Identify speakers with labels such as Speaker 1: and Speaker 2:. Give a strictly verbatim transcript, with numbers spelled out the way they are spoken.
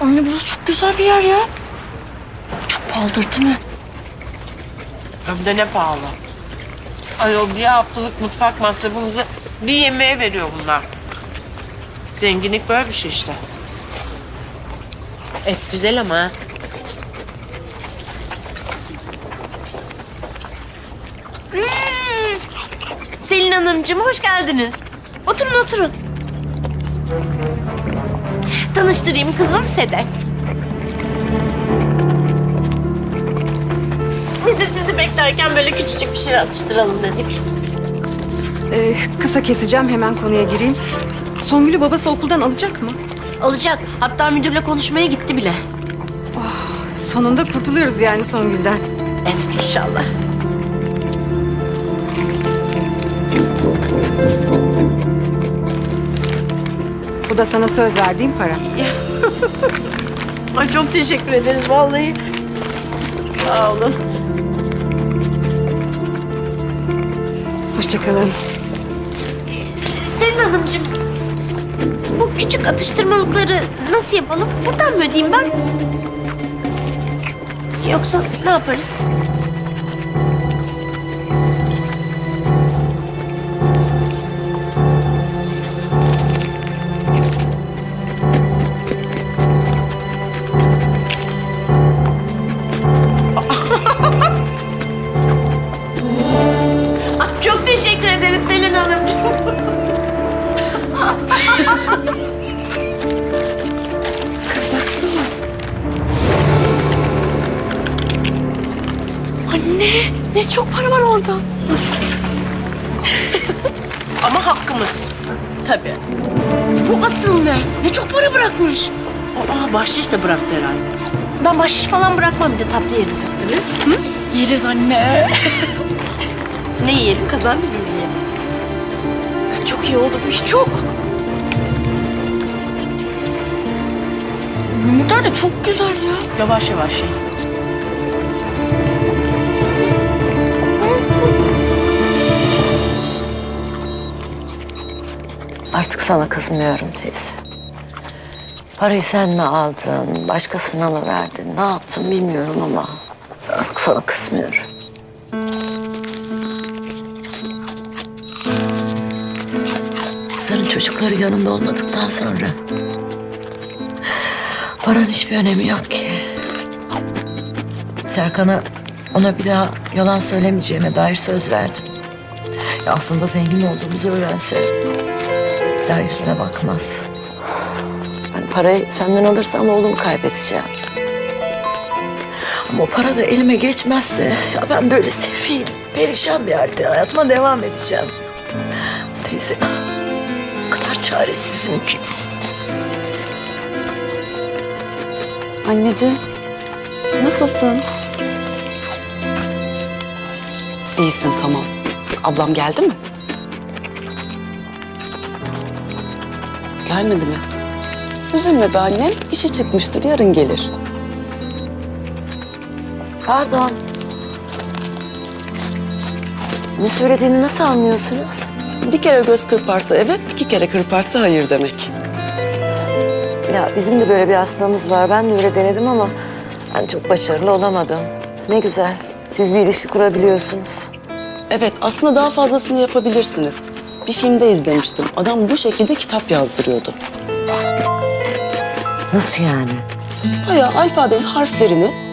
Speaker 1: Anne burası çok güzel bir yer ya. Çok pahalıdır değil mi?
Speaker 2: Hem de ne pahalı. Ayol bir haftalık mutfak masrafımızı bir yemeğe veriyor bunlar. Zenginlik böyle bir şey işte. Et güzel ama ha. Hmm. Selin Hanımcığım hoş geldiniz. Oturun oturun. Tanıştırayım kızım Sedef. Biz de sizi beklerken böyle küçücük bir şey atıştıralım dedik.
Speaker 3: Ee, kısa keseceğim, hemen konuya gireyim. Songül'ü babası okuldan alacak mı?
Speaker 2: Alacak. Hatta müdürle konuşmaya gitti bile.
Speaker 3: Sonunda kurtuluyoruz yani Songül'den.
Speaker 2: Evet inşallah.
Speaker 3: Bu da sana söz verdiğim para.
Speaker 2: Ay çok teşekkür ederiz vallahi. Sağ olun.
Speaker 3: Hoşça kalın.
Speaker 2: Selin Hanımcığım, bu küçük atıştırmalıkları nasıl yapalım? Buradan mı ödeyeyim ben? Yoksa ne yaparız? Ay, çok teşekkür ederiz Selin Hanımcığım.
Speaker 1: Kız baksana. Anne ne çok para var orada.
Speaker 2: Ama hakkımız. Tabii. Bu asıl ne? Ne çok para bırakmış. Aa, bahşiş de bıraktı herhalde. Ben bahşiş falan bırakmam, bir de tatlı yeriz istedim. Hı?
Speaker 1: Yeriz anne.
Speaker 2: Ne yiyelim? Kazandı mı yiyelim?
Speaker 1: Kız çok iyi oldu bu iş çok. Yumurtalar da çok güzel ya.
Speaker 2: Yavaş yavaş ye.
Speaker 4: Artık sana kızmıyorum teyze. Parayı sen mi aldın, başkasına mı verdin, ne yaptın bilmiyorum ama artık sana kızmıyorum. Senin çocukları yanında olmadıktan sonra paranın hiçbir önemi yok ki. Serkan'a ona bir daha yalan söylemeyeceğime dair söz verdim. Ya aslında zengin olduğumuzu öğrense bir daha yüzüme bakmaz. Ben parayı senden alırsam oğlumu kaybedeceğim. Ama o para da elime geçmezse ya ben böyle sefil, perişan bir halde hayatıma devam edeceğim. Teyze, o kadar çaresizim ki.
Speaker 5: Anneciğim, nasılsın? İyisin, tamam. Ablam geldi mi? Gelmedi mi? Üzülme be annem, işi çıkmıştır, yarın gelir.
Speaker 4: Pardon. Ne söylediğini nasıl anlıyorsunuz?
Speaker 5: Bir kere göz kırparsa evet, iki kere kırparsa hayır demek.
Speaker 4: Ya bizim de böyle bir hastamız var. Ben de öyle denedim ama ben çok başarılı olamadım. Ne güzel. Siz bir ilişki kurabiliyorsunuz.
Speaker 5: Evet, aslında daha fazlasını yapabilirsiniz. Bir filmde izlemiştim. Adam bu şekilde kitap yazdırıyordu.
Speaker 4: Nasıl yani?
Speaker 5: Bayağı alfabenin harflerini